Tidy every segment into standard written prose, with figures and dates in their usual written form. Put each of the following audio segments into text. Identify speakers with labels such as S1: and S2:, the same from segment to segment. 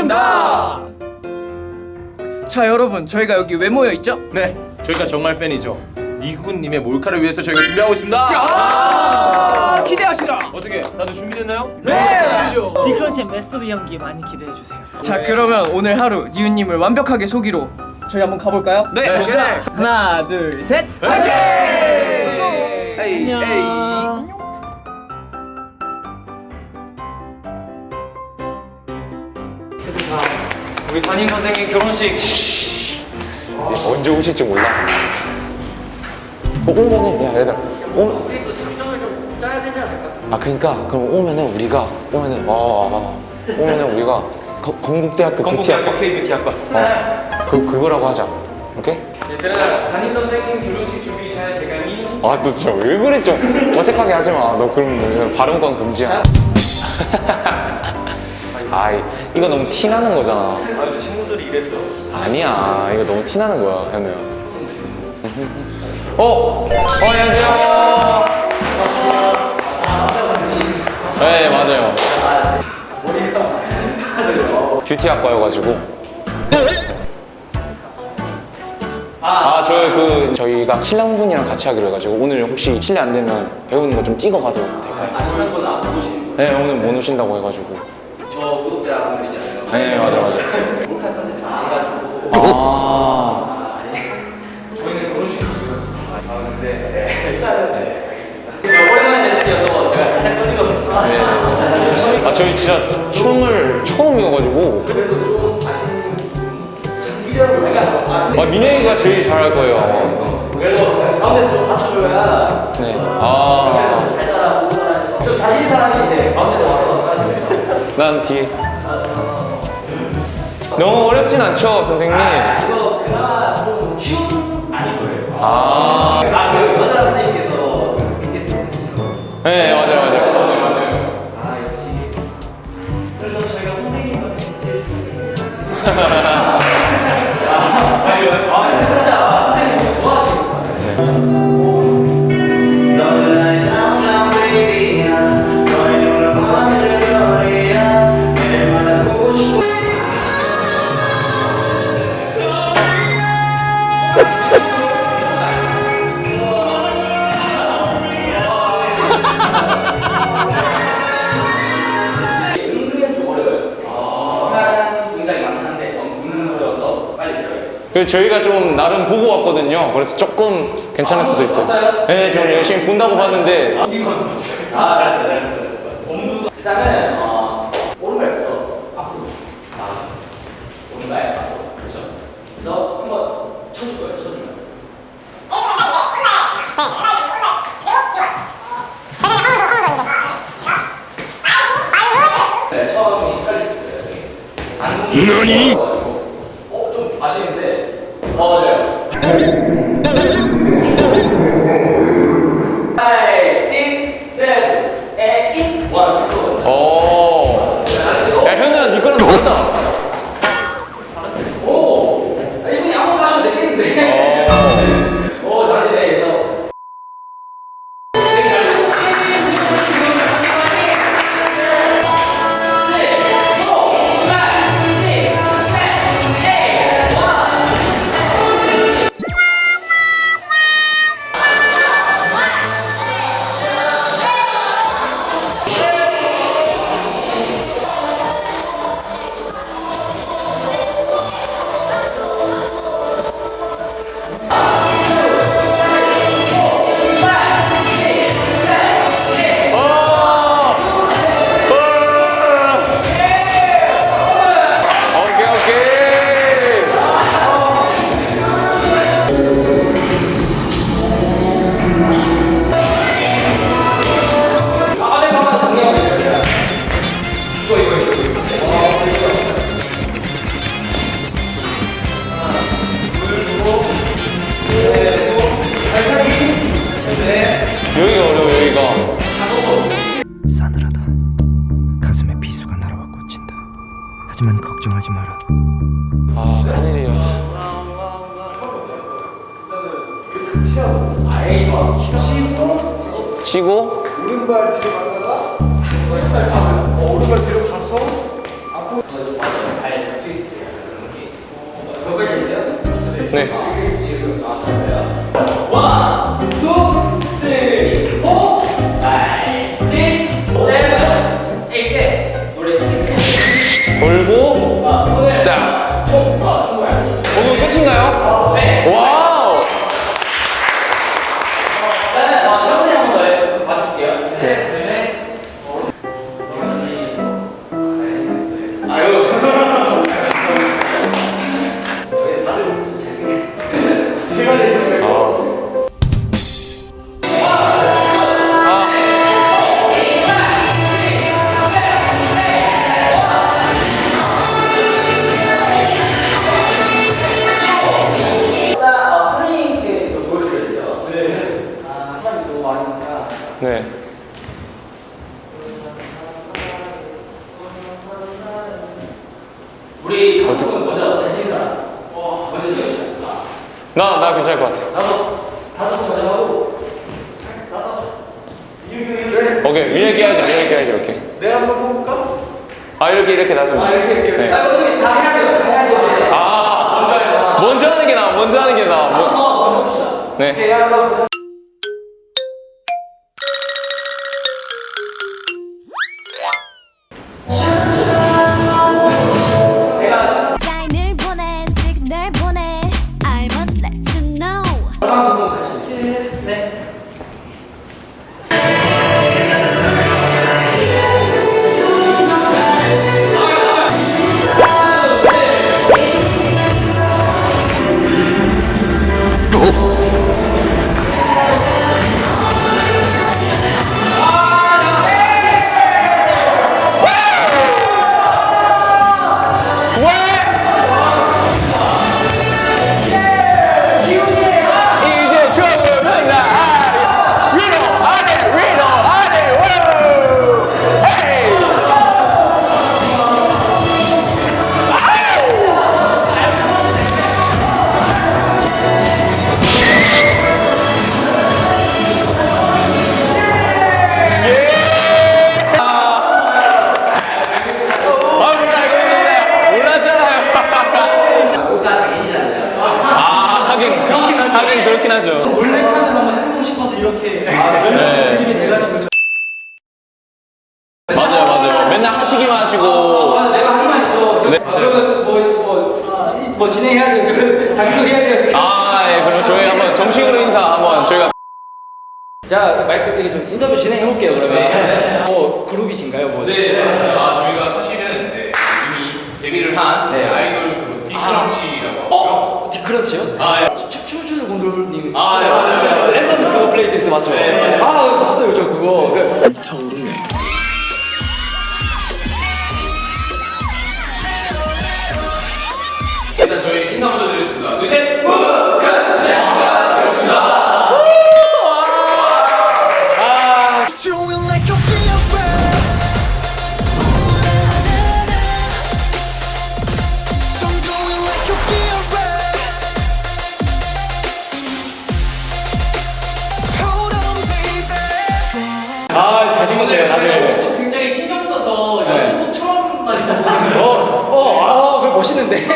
S1: 반갑습니다.
S2: 자 여러분, 저희가 여기 왜 모여 있죠?
S1: 네, 저희가 정말 팬이죠. 니훈님의 몰카를 위해서 저희가 준비하고 있습니다.
S2: 기대하시라.
S1: 어떻게 다들 준비됐나요?
S2: 네.
S3: 디크런치의 메소드 연기 많이 기대해 주세요.
S2: 자 그러면 오늘 하루 니은님을 완벽하게 속이러 저희 한번 가볼까요?
S1: 네, 갑시다.
S2: 하나, 둘, 셋.
S1: 화이팅!
S3: 안녕.
S4: 우리 담임 선생님 결혼식
S5: 언제 오실지 몰라. 오면은 야 얘들아
S2: 우리도 작전을 좀 짜야 되지 않을까?
S5: 아 그러니까 그럼 오면은 우리가 건국대학교
S4: 건국대학교
S5: 뷰티학과
S4: K뷰티학과
S5: 그거라고 하자. 오케이?
S4: 얘들아 담임 선생님 결혼식 준비 잘 돼가니?
S5: 아 너 진짜 왜 그래 좀 어색하게 하지 마. 너 그럼 발음권 금지야. 아이 이거 너무 티 나는 거잖아.
S4: 아 친구들이 이랬어.
S5: 아니야 이거 너무 티 나는 거야 현우야. 안녕하세요. 네 맞아요. 뷰티학과여가지고. 저희가 신랑분이랑 같이 하기로 해가지고 오늘 혹시 실례 안 되면 배우는 거 좀 찍어가도 될까요?
S4: 신랑분은 안 보시는
S5: 네 오늘 못 오신다고 해가지고.
S4: 저 구독자분들이잖아요.
S5: 네 맞아.
S4: 몰카 컨텐츠 많이 해가지고 저희는 결혼식 있어요. 근데 일단은 알겠습니다. 오랜만에 뵙기여서 제가 살짝 떨리거든요.
S5: 아 저희 진짜 춤을 처음이어가지고.
S4: 그래도 좀 아시는 장기적으로 약간
S5: 민영이가 제일 잘할 거예요 아마.
S4: 그래도 가운데서 좀 받쳐줘야
S5: 네.
S4: 잘 따라하고 좀 자신 있는 사람이 이제 가운데 와서 따라주세요.
S5: 난 뒤에. 너무 어렵진 않죠 선생님?
S4: 이거 그나마 좀 쉬운 아닌 거예요. 그 여자 선생님께서 있겠어요.
S5: 네 맞아요.
S4: 역시. 그래서 저희가 선생님과 테스트. 진짜 선생님 좋아하시는 것 같아요. 은근 좀 어려워요. 비슷한 동작이 많긴 한데 너무 굵어서 빨리 배워요.
S5: 그 저희가 좀 나름 보고 왔거든요. 그래서 조금 괜찮을 수도 있어요.
S4: 봤어요?
S5: 네, 좀 열심히 본다고 봤는데.
S4: 잘했어. 엄두가 일단은 오른발부터 앞으로. 오른발 앞으로. 그렇죠. 그래서 한번 쳐줄 거예요. 쳐주면서. 네, 처음이 헷갈릴 수 있어요. 안동이 좀 아시는데 맞아요. 5, 6, 7, 8, 1
S5: 오. 야, 현우야, 니 거랑 다르다.
S4: 오! 이분이 아무것도 하시면 되겠는데. 오, 잘하시네. 그래서.
S5: 오케이, 오케이.
S4: 잠깐만 정리하고 있습니다. 이거.
S5: 여기가 어려워, 여기가.
S6: 싸늘하다. 가슴에 비수가 날아와 꽂힌다. 하지만 걱정하지 마라.
S5: 아, 큰일이야.
S4: 아이, 좋아.
S5: 치고,
S1: 오른발 뒤로 갔다가 오른발 뒤로 가서
S4: 발
S5: 네.
S4: 원, 투, 쓰리, 포, 파이, 식, 세븐, 에잇. 우리
S5: 돌고
S4: 손을
S5: 딱.
S4: 총, 총을.
S5: 오늘 끝인가요?
S4: 네.
S5: 와우.
S4: 일단은 천천히 한 번 더 봐줄게요.
S5: 네.
S4: 아유. 선생님께 좀 보여드려야죠. 네. 사람이 너무 많으니까.
S5: 네.
S4: 우리 가족은 먼저 자신 있는 사람. 먼저 찍읍시다.
S5: 나 괜찮을 것 같아.
S4: 나도 다섯 번 먼저 하고.
S5: 오케이. 위에 끼야지 이렇게.
S1: 내가 한번 해볼까?
S5: 아, 이렇게 놔주면.
S4: 이렇게.
S5: 네.
S4: 어차피 다 해야 돼요. 다 해야 돼요.
S5: 아, 먼저 하는 게 나아. 먼저
S4: 먼저 봅시다.
S5: 네.
S7: 사인을 보내 시그널 보내 I must let you know
S4: 네.
S5: 이제 조금은 나 위로 아래 우 헤이. 몰랐잖아요.
S4: 오가 장인이잖아요.
S5: 아, 하긴 그렇긴 하죠.
S3: 몰래 카메라 한번 해보고 싶어서 이렇게 연락을 드리게 돼가지고
S5: 맞아요. 맨날 하시기만 하시고.
S4: 내가 하기만 했죠.
S5: 네.
S4: 그러면 뭐 진행해야 돼요. 장소해야 돼요. 지금.
S5: 아, 예. 그럼 저희 한번 정식으로 인사 한번 저희가.
S4: 자, 마이크 되게 좀 인터뷰 진행해 볼게요. 그러면 뭐 그룹이신가요? 뭐.
S1: 네, 맞습니다. 저희가 사실은 이미 데뷔를 한
S4: 네.
S1: 아이돌 그룹 디크런치라고 하고요.
S4: 디크런치요?
S1: 아, 예.
S4: 춤추는 곤돌님.
S1: 아, 네, 맞아요.
S4: 랜덤 그거 플레이 댄스 맞죠?
S1: 네, 맞아요.
S4: 아, 봤어요, 저 그거.
S1: 일단 저희 인사 먼저 드리겠습니다. 둘, 셋!
S7: Chewing like a beer So I'm doing like a beer Hold on baby
S4: 아, 잘생겼네요, 다들.
S2: 또 굉장히 신경 써서
S4: 네.
S2: 연습복 처음 많이
S4: 그거 멋있는데?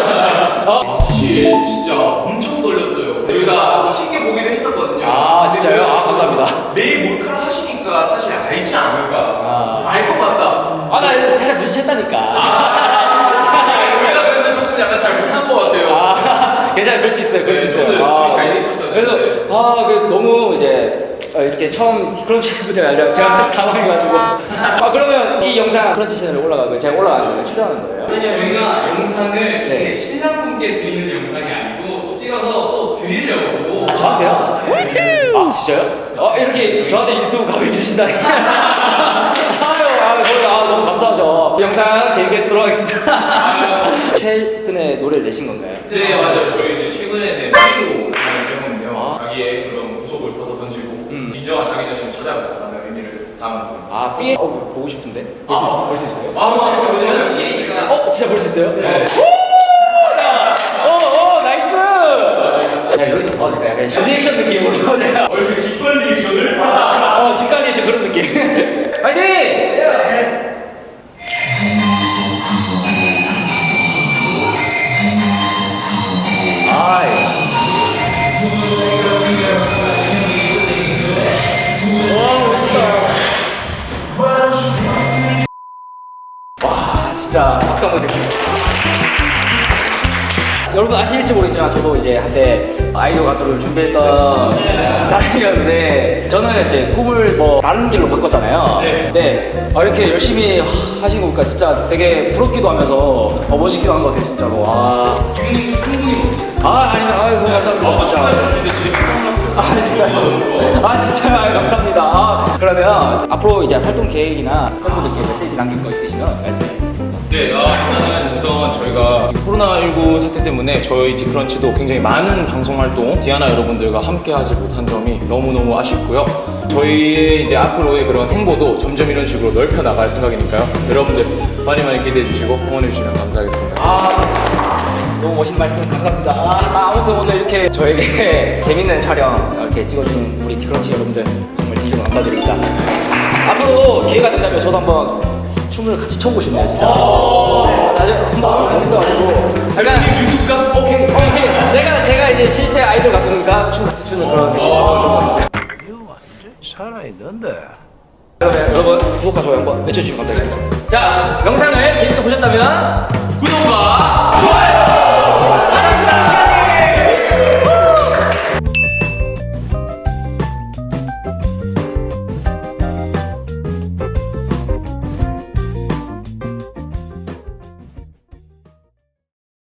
S1: 사실 진짜 엄청 떨렸어요. 저희가 멋있게 보기도 했었거든요.
S4: 아, 진짜요? 아, 감사합니다.
S1: 내일 몰카를 하시니까 사실 알지 않을까.
S4: 아.
S1: 알 것 같다.
S4: 아, 나 살짝 눈치챘다니까.
S1: 저희가 그래서 조금 약간 잘 못한 것 같아요.
S4: 아, 괜찮아요. 그럴 수 있어요. 그럴 수
S1: 네,
S4: 있어요.
S1: 저도
S4: 아,
S1: 연습이 잘돼 있었어요.
S4: 그래서, 너무 이제, 이렇게 처음 크런치부터 알죠? 제가 당황해가지고. 그러면 이 영상 크런치 채널에 올라가고, 제가 올라가는 거예요? 출연하는 거예요?
S1: 저희가 영상을
S4: 네.
S1: 이렇게 신랑분께 드리는 영상이 아니고 찍어서 또 드리려고.
S4: 아, 저한테요? 아, 진짜요? 이렇게 저한테 유튜브 가입해 주신다니. 너무 감사하죠. 이 영상 재밌게 쓰도록 하겠습니다. 최근에 노래를 내신 건가요?
S1: 네, 맞아요. 저희 이제 최근에 파리로 앨범인데요. 자기의 그런 무속을 벗어 던지고 진정한 자기 자신을 찾아가자라는 의미를 담은 곡입니다.
S4: 아, 삐 보고 싶은데. 볼 수 있어요?
S1: 한번 이렇게 보내면 시니까.
S4: 진짜 볼 수 있어요?
S1: 네.
S4: 나이스! 자, 여기서 봐도 될까요? 약간 리액션 느낌으로 제가
S1: 얼굴 직관 리액션을?
S4: 직관 리액션 그런 느낌. 파이팅! 아이. 여러분 아실지 모르겠지만 저도 이제 한때 아이돌 가수를 준비했던 사람이었는데 저는 이제 꿈을 뭐 다른 길로 바꿨잖아요. 근데 이렇게 열심히 하신 거 보니까 진짜 되게 부럽기도 하면서 멋있기도 한 것 같아요 진짜로.
S1: 지훈님도 충분히 멋있어요.
S4: 아닙니다. 너무 감사합니다.
S1: 축하해 주시는데 진짜 깜짝 놀랐어요.
S4: 진짜요?
S1: 너무 좋아.
S4: 진짜요? 감사합니다. 그러면 앞으로 이제 활동 계획이나 팬분들께 메시지 남길 거 있으시면 말씀해 주세요.
S1: 네, 일단은 우선 저희가 코로나19 사태 때문에 저희 디크런치도 굉장히 많은 방송 활동 디아나 여러분들과 함께 하지 못한 점이 너무너무 아쉽고요. 저희의 이제 앞으로의 그런 행보도 점점 이런 식으로 넓혀 나갈 생각이니까요. 여러분들 많이 많이 기대해 주시고 응원해 주시면 감사하겠습니다.
S4: 너무 멋있는 말씀 감사합니다. 아무튼 오늘 이렇게 저에게 재밌는 촬영 이렇게 찍어준 우리 디크런치 여러분들 정말 진심으로 감사드립니다. 앞으로 기회가 된다면 저도 한번 춤을 같이 춰보고 싶네요 진짜. 나중에 한번 재밌어가지고 약간
S1: 유튜브가 오케이.
S4: 제가 이제 실제 아이돌 가수니까 춤 같이 추는 그런 느낌
S6: 살아있는데.
S4: 그러면 여러분 구독과 좋아요 한번 외쳐주시면 감사하겠습니다. 자 영상을 재밌게 보셨다면
S1: 구독과